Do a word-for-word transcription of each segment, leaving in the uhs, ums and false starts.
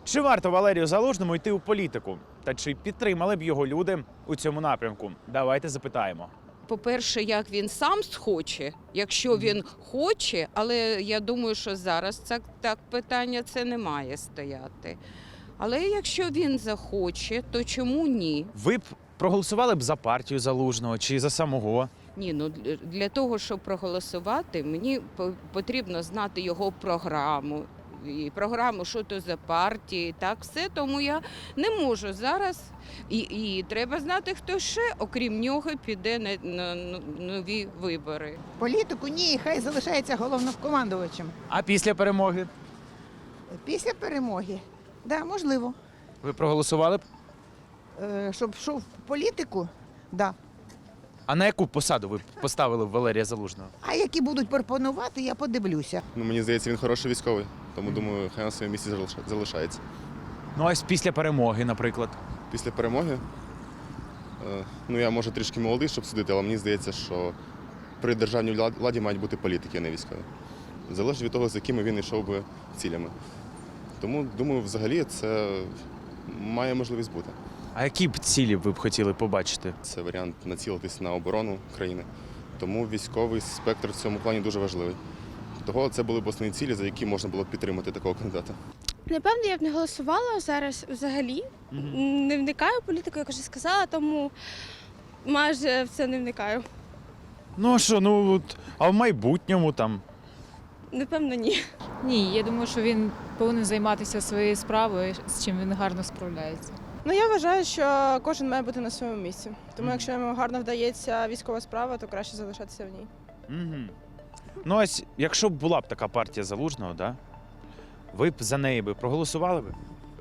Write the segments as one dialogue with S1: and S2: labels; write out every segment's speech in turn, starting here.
S1: Чи варто Валерію Залужному йти у політику? Та чи підтримали б його люди у цьому напрямку? Давайте запитаємо.
S2: По-перше, як він сам схоче, якщо він хоче, але я думаю, що зараз це так питання це не має стояти. Але якщо він захоче, то чому ні?
S1: Ви б проголосували б за партію Залужного чи за самого?
S2: Ні, ну для того, щоб проголосувати, мені по- потрібно знати його програму. І програму, що то за партії, так все, тому я не можу зараз. І, і треба знати, хто ще, окрім нього, піде на, на, на нові вибори.
S3: Політику ні, хай залишається головнокомандувачем.
S1: А після перемоги?
S3: Після перемоги, да, можливо.
S1: Ви проголосували б?
S3: Е, Щоб йшов в політику, да.
S1: А на яку посаду ви б поставили б Валерія Залужного?
S3: А які будуть пропонувати, я подивлюся.
S4: Ну, мені здається, він хороший військовий, тому думаю, хай на своєму місці залиша- залишається.
S1: Ну, ось після перемоги, наприклад.
S4: Після перемоги, е, ну я може трішки молодий, щоб судити, але мені здається, що при державній влад- владі мають бути політики, а не військові. Залежить від того, з якими він йшов би цілями. Тому, думаю, взагалі це має можливість бути.
S1: А які б цілі ви б хотіли побачити?
S4: Це варіант націлитись на оборону країни. Тому військовий спектр в цьому плані дуже важливий. Того це були б основні цілі, за які можна було б підтримати такого кандидата.
S5: Напевно, я б не голосувала зараз взагалі. Не вникаю в політику, як вже сказала, тому майже в це не вникаю.
S1: Ну а що, ну от, а в майбутньому там.
S5: Напевно, ні.
S6: Ні, я думаю, що він повинен займатися своєю справою, з чим він гарно справляється.
S7: Ну, я вважаю, що кожен має бути на своєму місці. Тому якщо йому гарно вдається військова справа, то краще залишатися в ній.
S1: Угу. Ну ось, якщо б була б така партія Залужного, да? Ви б за неї би проголосували б?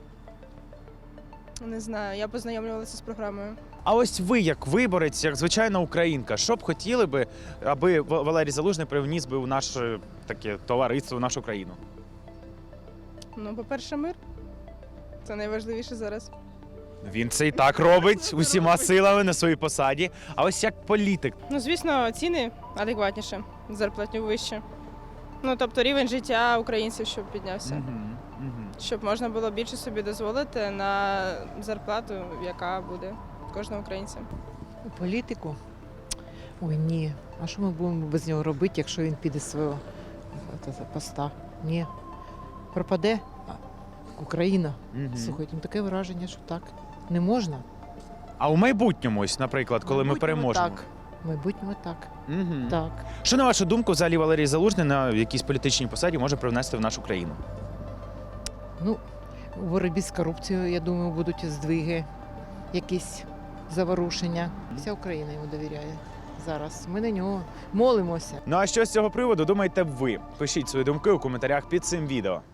S7: Не знаю, я познайомлювалася з програмою.
S1: А ось ви, як виборець, як звичайна українка, що б хотіли би, аби В- Валерій Залужний привніс би у наше таке товариство, в нашу країну?
S7: Ну, по-перше, мир. Це найважливіше зараз.
S1: Він це і так робить усіма силами на своїй посаді. А ось як політик.
S7: Ну, звісно, ціни адекватніше, зарплатню вище. Ну, тобто рівень життя українців, щоб піднявся. Щоб можна було більше собі дозволити на зарплату, яка буде кожного українця.
S8: У політику? Ой, ні. А що ми будемо без нього робити, якщо він піде з свого е, та- поста? Ні. Пропаде а, Україна.
S1: Мгм.
S8: Слухайте, ну таке враження, що так. Не можна.
S1: А у майбутньому, ось, наприклад, коли ми
S8: Майбутньому
S1: переможемо.
S8: Так. В майбутньому так.
S1: Мгм.
S8: Так.
S1: Що, на вашу думку, взагалі Валерій Залужний на якійсь політичній посаді може привнести в нашу країну?
S8: Ну, у боротьбі з корупцією, я думаю, будуть здвиги, якісь заворушення. Вся Україна йому довіряє зараз. Ми на нього молимося.
S1: Ну а що з цього приводу думаєте б ви? Пишіть свої думки у коментарях під цим відео.